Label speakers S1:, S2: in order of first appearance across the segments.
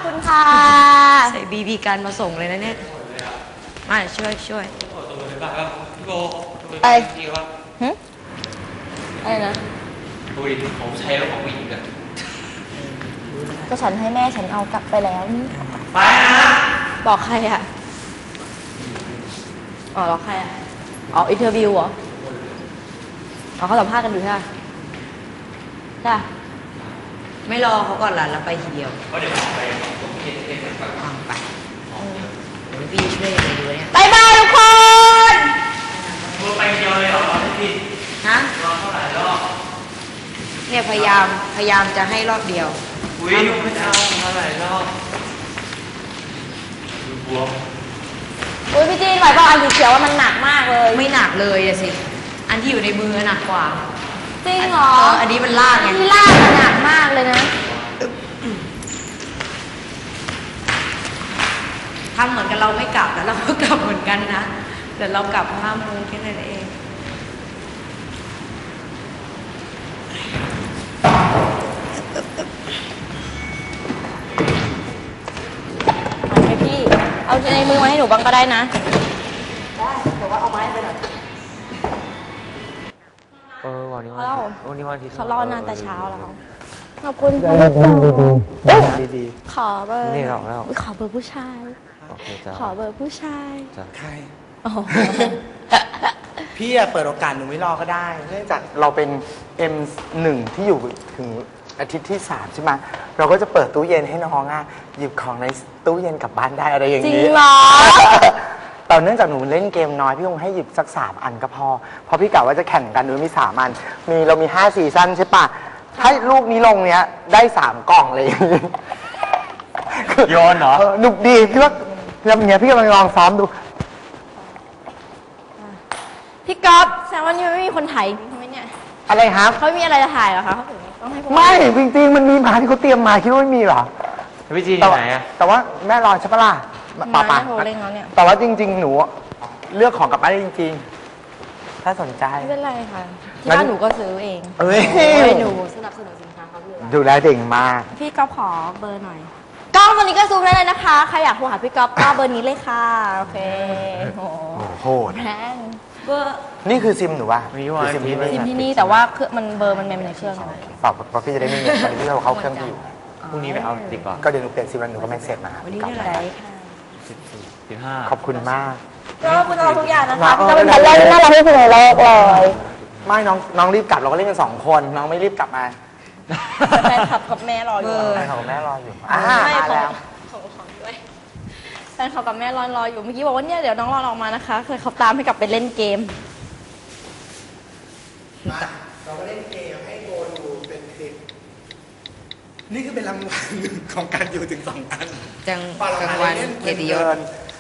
S1: คุณค่ะ
S2: ใส่บีบีกันมาส่งเลยนะเนี่ยมาช่วย
S1: อะไรอะไรนะ
S3: ดูดิผมใช้แล้วของผู้หญิงกัน
S1: ก็ฉันให้แม่ฉันเอากลับไปแล้ว
S3: ไปนะ
S1: บอกใครอ่ะอ๋อบอกใครอ่ะอ๋ออินเทอร์วิวเหรออ๋อเขาสัมภาษณ์กันอยู่ใช่ไหมใช่
S2: ไม่รอเขาก่อนล่ะเราไปทีเดียว
S3: เพราะเดี๋ยวผมไปผมเก็บไป
S2: ไปเดี๋ยวพี่ช่วยไปดูเนี่ย
S1: บายบายทุกคน
S3: มือไปเดียวเลยเหรอพี่
S2: ฮะ
S3: รอเท่าไหร่รอบ
S2: เนี่ยพยายามจะให้รอบเดียว
S3: อุ้ยไม่เอาเท่าไหร่รอบดูบวม
S1: อุ้ยพี่จีนไหวบอกอันสีเขียวว่ามันหนักมากเลย
S2: ไม่หนักเลยอะสิอันที่อยู่ในมือหนักกว่า
S1: จริงเหรอ
S2: อันนี้มันลากไง
S1: ที่ลากหนักมากเลยนะ
S2: ทำเหมือนกันเราไม่กลับแล้วเราก็กลับเหมือนกันนะแต่เรากลับ5 โมงแค่นั้นเอง
S1: ให้พี่เอาในมือมาให้หนูบ้างก็ได้นะ
S2: ได้แต่ว่าเอาไม้ไปหน่อย
S3: วันนี้วันที่
S1: เขารอนานแต่เช้าแล้วขอบคุณ
S3: ดี
S1: ขอเบอร์
S3: นี่หรอกแล้ว
S1: ขอเบอร์ผู้ชายขอเบอร์ผู้ชาย
S4: ใครพี่เปิดโอกาสหนูไม่รอก็ได้เนื่องจากเราเป็น M1 ที่อยู่ถึงอาทิตย์ที่3ใช่ไหมเราก็จะเปิดตู้เย็นให้น้องหยิบของในตู้เย็นกลับบ้านได้อะไรอย่างนี้
S1: จริงเหรอ
S4: แต่เนื่องจากหนูเล่นเกมน้อยพี่คงให้หยิบสัก3 อันก็พอเพราะพี่กะว่าจะแข่งกันหนูมี3 อันเรามี5 ซีซั่นใช่ปะให้ลูกนี้ลงเนี้ยได้3 กล่องเลย
S3: โยนเหรอ
S4: หนุกดีพี่ว่าแล้วอย่างเงี้ยพี่กำลังลองซ้อมดู
S1: พี่ก๊อฟแซมวันนี้ไม่มีคนถ่ายใช่ไหมเนี่ย
S4: อะไรครับ
S1: เขามีอะไรจะถ่ายเหรอคะเขาถึงต้องให้
S4: ไม่จริงๆมันมีมาที่เขาเตรียมมาคิดว่าไม่มีหรอ
S3: พี่จีนไหนอะ
S4: แต่ว่าแม่รอใช่ปะล่ะ
S1: ป่า
S4: แต่ว่าจริงๆหนูเลือกของกลับบ้านได้จริงๆถ้าสนใจ
S1: ไม่เป็นไรค่ะที่บ้านหนูก็ซื้อเองหนูสนับสนุนสินค้าเขาอยู่
S4: ดูแลเด่งมาก
S1: พี่ก๊อฟขอเบอร์หน่อยกล้องตัวนี้ก็ซูมได้เลยนะคะใครอยากโทรหาพี่ก๊อฟก็เบอร์นี้เลยค่ะโอเค
S4: โอ้โห
S1: แพงเบอร์
S4: นี่คือซิมหนูวะ
S1: ซิมที่นี่แต่ว่ามันเบอร์มันในเครื่อง
S4: ฝากเพราะพี่จะได้ไม่เงียบตอนนี้พี่เราเข้าเครื่องที่อยู่
S3: พรุ่งนี้ไปเอาดีกว่า
S4: ก็เดี๋ยวหนูเปลี่ยนซิมแล้วหนูก็ไม่เสร็จมา
S2: วันนี้เท่าไหร่ค่ะ
S3: 15
S4: ขอบคุณมาก
S1: ก็คุณเอาทุกอย่างนะคะพี่ก็เป็นคนแรกน่ารักที่สุดในโลกเลย
S4: ไม่น้องรีบกลับเราก็เล่นกัน2 คนน้องไม่รีบกลับมา
S1: แฟนคลับกับแม่รออยู่
S4: แฟนคลับกับแม่รออยู่
S1: มาแล้วของด้วยแฟนคลับกับแม่รออยู่เมื่อกี้บอกว่าเนี่ยเดี๋ยวน้องรอออกมานะคะเคยเขาตามให้กลับไปเล่นเกม
S4: เราก็เล่นเกมให้โกดูเป็นคลิปนี่คือเป็นรางวัลของการอยู่ถึง2 อัน
S2: จังวันเกียรติยศ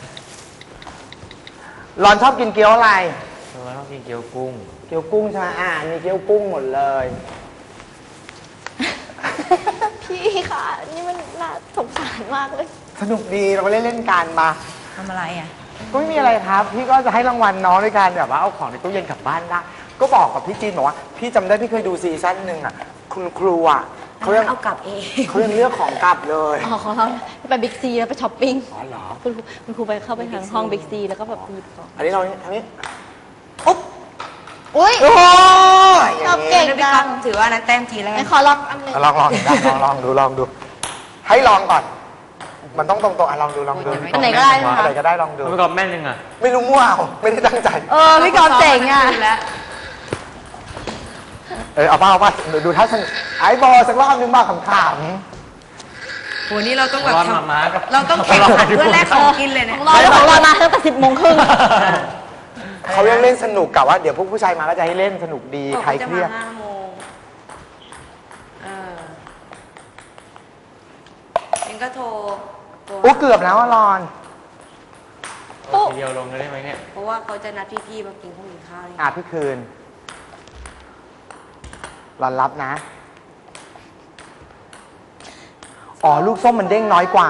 S4: รอนชอบกินเกี๊ยวอะไร
S3: ชอบกินเกี๊ยวกุ้ง
S4: ใช่ไหมมีเกี๊ยวกุ้งหมดเลย
S1: พี่ค่ะนี่มันน่าสงสารมากเลย
S4: สนุกดีเราก็เล่นกันมา
S2: ทำอะไรอ่ะ
S4: ก็ไม่มีอะไรครับพี่ก็จะให้รางวัลน้องด้วยกันแบบว่าเอาของในตู้เย็นกลับบ้านได้ก็บอกกับพี่จีนบอกว่าพี่จำได้พี่เคยดูซีซั่น 1คุณครู
S2: เขายังเอากลับเอง
S4: เขายังเลือกของกลับเลย
S1: ของเราไปบิ๊กซีแล้วไปช้อปปิ้ง
S4: อ๋อเหรอ
S1: คุณครูไปเข้าไปทางห้องบิ๊กซีแล้วก็แบบหยิบของ
S4: อันนี้เราอันนี้อุ๊บ
S1: อุ้ยชอบเก่งจัง
S2: ถือว่านั้นแต้มทีแล้ว
S1: ขอลองอันนึง
S4: ลองดูให้ลองก่อนมันต้องตรงๆลองดู
S1: อันไหนก็ได้ค่ะ
S4: อะไรก็ได้ลองดู
S3: พี่กอล์ฟแม่นยังอ่ะ
S4: ไม่รู้มั่วไม่ได้ตั้งใจ
S1: พี่กอล์ฟเจ๋งอ่ะ
S4: เอาป่ะดูท่าสนุกไอ้บอลสักรอบนึงบ้างขำ
S2: ๆโหนี่เราต้องแบบเราต้องแข่งขันเพื่อแลกของกินเลยเนี่ย
S1: ของเรามาตั้งแต่10 โมงครึ่ง
S4: เขายังเล่นสนุกกับว่าเดี๋ยวพวกผู้ชายมาก็จะให้เล่นสนุกดีใครเครียด
S2: 5 โมงเองก็โทร
S4: เกือบแล้วรอน
S3: ทีเดียวลงได้ไหมเนี่ย
S2: เพราะว่าเขาจะนัดพี่ๆมากินข้าว
S4: พี่คืนรอนรับนะลูกส้มมันเด้งน้อยกว่า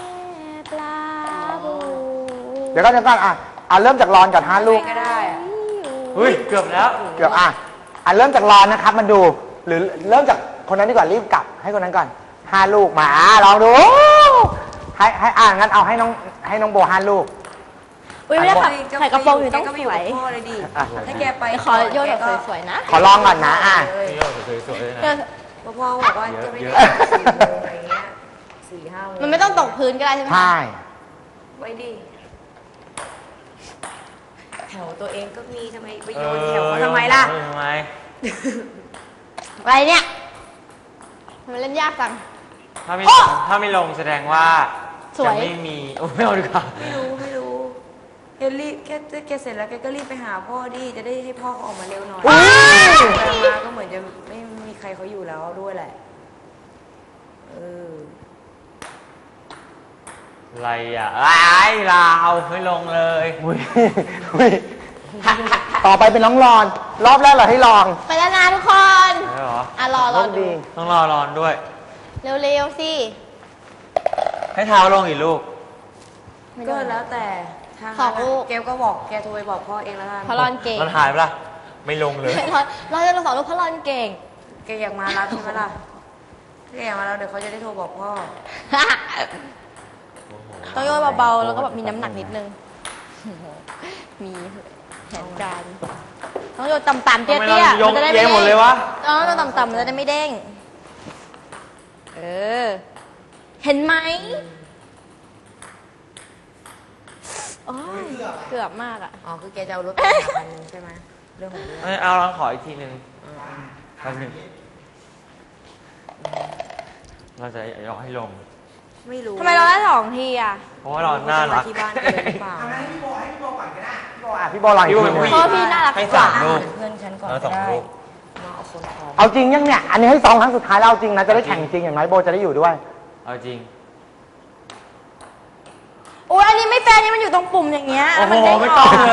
S4: เดี๋ยวก็จะกันเริ่มจากรอนก่อน5 ลูก
S2: ก็ได้
S3: เกือบแล้ว
S4: เริ่มจากรอนนะครับมันดูหรือเริ่มจากคนนั้นดีกว่ารีบกลับให้คนนั้นก่อน5 ลูกมาลองดูให้งั้นเอาให้น้องโบ5 ลูก
S1: อุ้ยไม่ได้ค่ะใส่กระโปรงอยู่ต้อง
S2: แกก็
S1: ส
S2: ไปอยู่
S1: วย
S2: กับพ่อเลยดิ
S4: อ่ะ
S2: ถ้าแกไป
S1: เดี๋ยวขอโยนแบบสวยๆนะ
S4: ขอลองก่อนนะ
S3: พี่โยสวยๆเลย
S1: เดี๋ยว
S3: นะ
S2: เพราะพ่อบอกว่าจะไม่ได้4 โมงอะไรเงี้ย4-5 โมง
S1: มันไม่ต้องตกพื้นก็ได้ใช่ไหม
S4: ใช่
S2: ไว้ดิแถวตัวเองก็มีทำไมไปโยนแถวเขาทำไมล่ะ
S3: ทำไม
S1: อะไรเนี่ยมันเล่นยากจัง
S3: ถ้าไม่
S1: โอ้
S3: ถ้าไม่ลงแสดงว่า
S1: สวย
S3: จะไม่มีโอ้ไม่เอาดีกว่า
S2: ไม่รู้แกรีบแกเสร็จแล้วแกก็รีบไปหาพ่อดิจะได้ให้พ่อเขาออกมาเร็วหน่อย
S1: ว้าย
S2: แต่มาก็เหมือนจะไม่มีใครเขาอยู่แล้วด้วยแหละเออ
S3: อะไรอ่ะไอ้ลาวไม่ลงเลย
S4: อุ๊ยต่อไปเป็นน้องรอน รอบแรกเราให้ลอง
S1: ไปแล้วนะทุกคน
S3: ใช่เหรอ
S1: อ่ะรอ
S4: โชค
S1: ดู
S4: ดี
S3: ต้องรอรอนด้วย
S1: เร็วๆสิ
S3: ให้เท้าลงอีกลูก
S1: ไม่
S2: ก็
S1: โดน
S2: แล้วแต่ทาง
S1: สองลูก
S2: แกก็บอกแกโทรไปบอกพ่อเองแล้วกัน
S1: เพราะรอนเก่ง
S3: มันหายไปละไม่ลงเลย
S1: เราจะลง2 ลูกเพราะรอนเก่ง
S2: แกอยากมารับใช่ไหมล่ะถ้าแกอยากมารับเดี๋ยวเขาจะได้โทรบอกพ่อ
S1: ต้องโยนเบาๆแล้วก็แบบมีน้ำหนักนิดนึง มีแผนการต้องโยนต่ำๆเตี้
S3: ทำไมเรา
S1: ยๆ
S3: ย
S1: มั
S3: ก
S1: นจะได้
S3: เอี
S1: ไม่
S3: ยงหมดเลยวะ
S1: ต้องโยนต่ำๆมันจะได้ไม่เด้ง เออ เห็นไหมโอ้ยเกือบมากอ่ะ
S2: อ๋อคือแกจะเอารถไปหาคันนึงใช่ไหมเรื่องของเรื่อง
S3: เอาลองขออีกทีหนึ่งแป๊บหนึงเราจะยกให้ลง
S2: ไม่รู้
S1: ทำไมเราได้2 ทีอ่ะ
S3: เพราะว่าเราน่ารัก
S2: ที่บ้านกันเลยหรือเปล่า
S4: พี่โบก่อนก็ได้พี่โบลองอีกทีหนึง
S1: เพราะว่าพี่น่ารัก
S3: ให้
S1: กว่า
S3: 3 ลูก
S2: เพื่อนฉันก่อน
S3: แล้ว
S2: ก็
S3: 2
S2: ได้
S3: ลูก
S2: มาเอาคนพร้อม
S4: เอาจริงยังเนี่ย อันนี้ให้2 ครั้งสุดท้ายแล้วเอาจริงนะ จะได้แข่งจริงอย่างน้อยโบจะได้อยู่ด้วย
S3: เอาจริง
S1: โอ้ยอันนี้ไม่แฟร์นี่มันอยู่ตรงปุ่มอย่างเงี้ย
S3: โอ้โห
S1: นด้
S3: ไม่ต้องเลย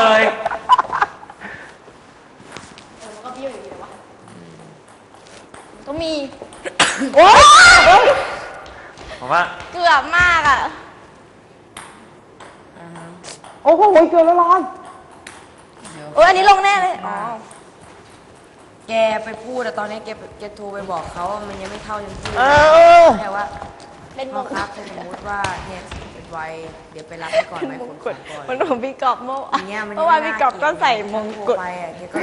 S1: มันก็เบี้ยวอยู่ดีเลยวะต้องมี โอ้ย
S3: ผมว่า
S1: เกือบมากอ่ะ
S4: โอ้โหเกินแล้วร้อน
S1: โอ้ยอันนี้ลงแน่เลย อ๋อ
S2: แกไปพูดแต่ตอนนี้แกโทรไปบอกเขาว่ามันยังไม่เข้ายังพูด
S4: เออ
S2: แต่ว่า
S1: เป็น
S2: พ่
S1: ม
S2: อง ครับถ้าสมมติว่าเนี่ยเป็นวัยเดี๋ยวไปรับให้ก่อนไหม
S1: มง
S2: คน
S1: กุฎ
S2: ก่อน
S1: มันของพี่กอบเมื่อ
S2: อย่างเงี้ยมัน
S1: เมื่อวานพี่กอบก็ใส่มงกุฎ
S2: โทรไปอ่ะแกก็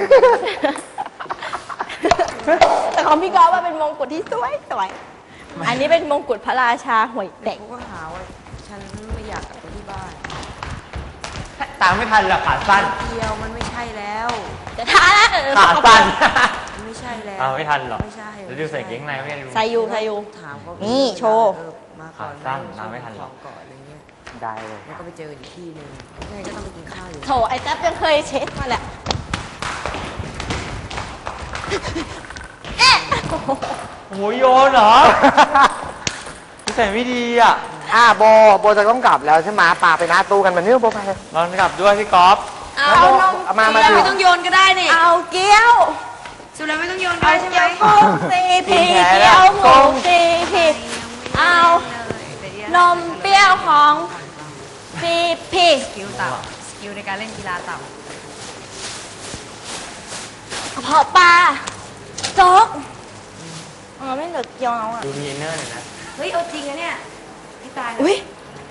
S1: แต่ของพี่กอบว่าเป็นมงกุฎที่สวยสวยอันนี้เป็นมงกุฎพระราชาห่วยเด็ก
S2: เขาก็หาว่าฉันไม่อยากกลับไปที่บ้าน
S3: ตามไม่ทันหรอกขาสั้น
S2: เดียวมันไม่ใช่แล้ว
S1: จะท้านะ
S3: ขาสั้น
S2: มันไม่ใช่แล้ว
S3: เอาไม่ทันหรอก
S2: ไม่ใช่
S3: แล้วดูใส่เกงในไม่ได้ดู
S1: ใส่อยู่ใส่อยู่
S2: ถามเขา
S1: นี่โชว์
S2: มาก่อน
S3: ขาสั้นตามไม่ทันหรอก
S2: ก่อนอะไรเงี้ย
S4: ได้เลย
S2: แล้วก็ไปเจออีกที่หนึ่งยังไงก็ต้องไปกินข้าวอยู่
S1: โถไอ้แจ๊บยังเคยเช็ดมาแหละเอ๊ะ
S3: โอ้โหโยนเหรอนิสัยไม่ดีอ่ะ
S4: โบจะต้องกลับแล้วใช่ไหมปาไปหน้าตู้กันมันนี่โบไป
S3: ลองกลับด้วยพี่ก๊อฟ
S1: เอานม
S4: เอามา
S2: สุดแล้วไม่ต้องโยนก็ได้นี่
S1: เอาเกี๊ยว
S2: สุดแล้วไม่ต้องโยนก็
S1: เอา
S2: ได้ใช่ไหม
S1: เกี๊ยวกุ้งซีพีเกี๊ยวหมูซีพีเอานมเปรี้ยวของซีพี
S2: สกิลต่ำสกิลในการเล่นกีฬาต่
S1: กระเพาะปลาโจ๊กเราไม่เหลือเกี๊ยวแล้วอ่ะ
S3: ดูมีอินเนอร์หน่อยนะ
S2: ำเฮ้ยเอาจริงนะเนี่ยพี่ตายนะ
S1: อุ้ย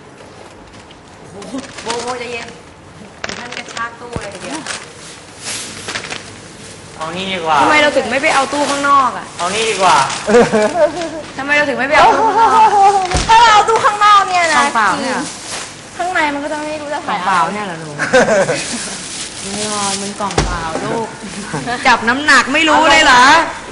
S2: โบใจเย็นถึงท่านกระชากตู้เลยทีเดียว
S3: เอานี่ดีกว่า
S2: ทำไมเราถึงไม่ไปเอาตู้ข้างนอกอ่ะ
S3: เอานี่ดีกว่า
S2: ทำไมเราถึงไม่ไปเอาตู้ข้างนอก
S1: ถ้าเราเอาตู้ข้างนอกเนี่ยนะ
S2: เปล่าเนี่ย
S1: ข้างในมันก็จะไม่รู้จะ
S2: กล่
S1: ถ่า
S2: อย ง
S1: อะ
S2: เปล่า
S1: ไร
S2: เนี่ยเหรอหนูไม่รอมันกล่องเปล่าลูก จับน้ำหนักไม่รู้เลยเหรอ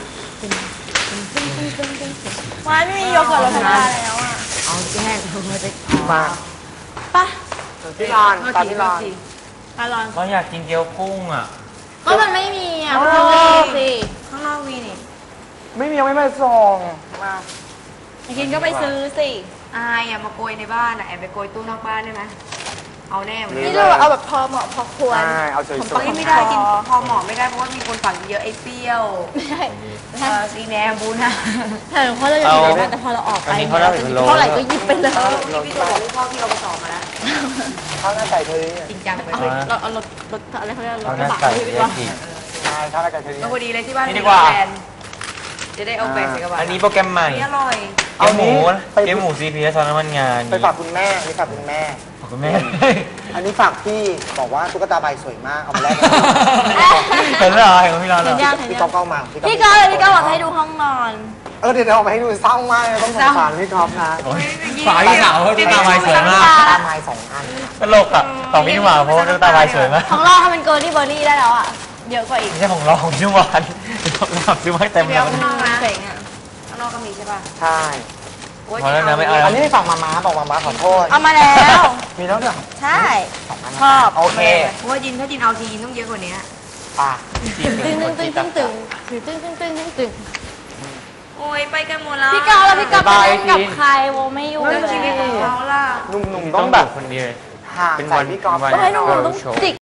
S1: มันไม่มีโยเกิร์ตรสชาติแล้วอ่ะ
S2: เอาแจ้งมาจะ
S4: มา
S1: ปะ
S4: พี่รอนตามพี่รอน
S1: อร่อย
S3: เราอยากกินเกี๊ยวกุ้งอ่ะ
S1: ก็มันไม่มีอ่ะมันต้องมีสิ
S2: ข้างนอกมีนี่
S4: ไม่มียังไม่มาส่งมา
S1: กินก็ไปซื้อสิ
S2: อายอ่ะมาโกยในบ้านอ่ะแอบไปโกยตู้นอกบ้านได้ไหมเอาแน่วัน
S1: นี่
S2: นี้
S1: เราเอาแบบพอเหมาะพอควร
S4: ใช่เอาสวย
S2: ตอนนี้ไม่ได้กินพอเหมาะไม่ได้เพราะว่ามีคนฝังเยอะไอ้เปรี้ยว
S1: ไม่ใช่
S2: ซีแนมบูนะ
S1: แต่เพราะเราอยากกินแต่พอเราออกไป
S3: อันนี้เขาได้เป็นโล
S1: เท่าไหร่ก็หยิบไปเลย
S2: นี่พี่ตัวบอกลูกพ่อพี่เอาไปสอบมาแล้ว
S4: ๆข้าวหน้าไก่เทอรี่
S2: จริงจังไป
S1: เอา
S2: เลย
S1: เราเอารถอะไรเขาเรียกรถ
S3: เอา
S1: ก
S3: หน้า
S1: ระบะ
S3: ใส่
S1: ดี
S3: เรี
S1: ก
S3: ย
S1: ว่า
S3: กิน
S4: ใช่ข้าวหน้าไก่เทอรี่
S2: พอดีเลยที่บ้าน
S3: นี่ดีกว่า
S2: แบรนด์จะได้เอาแบรนด์ใส่กระบะ
S3: อันนี้โปรแกรมใหม่
S2: อันนี้อร่อย
S4: เอา
S3: หมู
S4: นี้ไป
S3: เกมหมูซีพีซอนน้ำมันงาน
S4: ไปฝากคุณแม่นี่ฝากคุณแม่
S3: ฝากคุณแม่
S4: อันนี้ฝากพี่บอกว่าตุ๊กตาใบสวยมากเอามาแลกกัน
S3: เห็นเหรอเห็นของพี่ร้อนเหร
S1: เห็
S3: อน
S1: ยังเห็น
S4: พี่
S1: ยั
S4: ก๊อง ฟเข้ามา
S1: พี่ก๊อฟเลยพี่ก๊อฟบอกให้ดูห้องนอน
S4: เดี๋ยวเอามาให้ดูเศร้ามากเลยต้องสงสารพี่ก๊อฟนะ
S3: โอ้ยฝากพี่สาวเพราะตุ๊กตาใบสวยมาก
S4: ตาไม้2 อัน
S3: ตลกอ่ะของพี่นุ่มหวานเพราะว่าตุ๊กตาใบสวยมาก
S1: ของเราทำเป็นเกิร์ลที่เบอร์รี่ได้แล้วอ่ะ เยอะกว่าอีก
S3: ไม่ใช่ของเราของพี่นุ่มหวานเราซื้อมาให้เต็ม
S2: เดี๋
S3: เลย
S2: วย ข้างนอกนะ
S1: เจ๋งอ่ะ
S2: ข้างนอกก็มีใช่ป่ะ
S4: ใช่
S2: โอ๊ย
S3: พอแล้วนะไม่เอา
S4: อันนี้ฝากมาม้าบอกมาม้าขอโทษ
S1: เอามาแล้ว
S4: มีแล้วเหรอ
S1: ใช่
S4: 2 อัน
S1: ชอบ
S4: โอเค
S2: โอ้ยยินถ้ายินเอาทียินต้องเยอะกว่านี้
S4: ป่ะ
S1: ตึงตึงตึงตึงตึงตึงตึงตึงตึงตึงตึง
S2: โอ้ยไปกันหมดแล้ว
S1: พี่ก๊อฟแล้วพี่ก๊อฟไปเล่นกับใครโวไม่อยู่
S2: แล้วชีวิตของเขาล่ะ
S4: หนุ่ม
S3: ต้
S4: ๆ
S3: อ
S4: ต้อง ง
S3: แบ
S4: แบบ บ
S3: คนเดียว
S4: ห่าง
S3: เป็น
S4: จาก
S3: วัน
S4: พี่ก๊อฟ
S3: วัน
S1: ก็ให้หนุ่ม
S3: Girl
S1: ต้อง
S3: Show
S1: จิก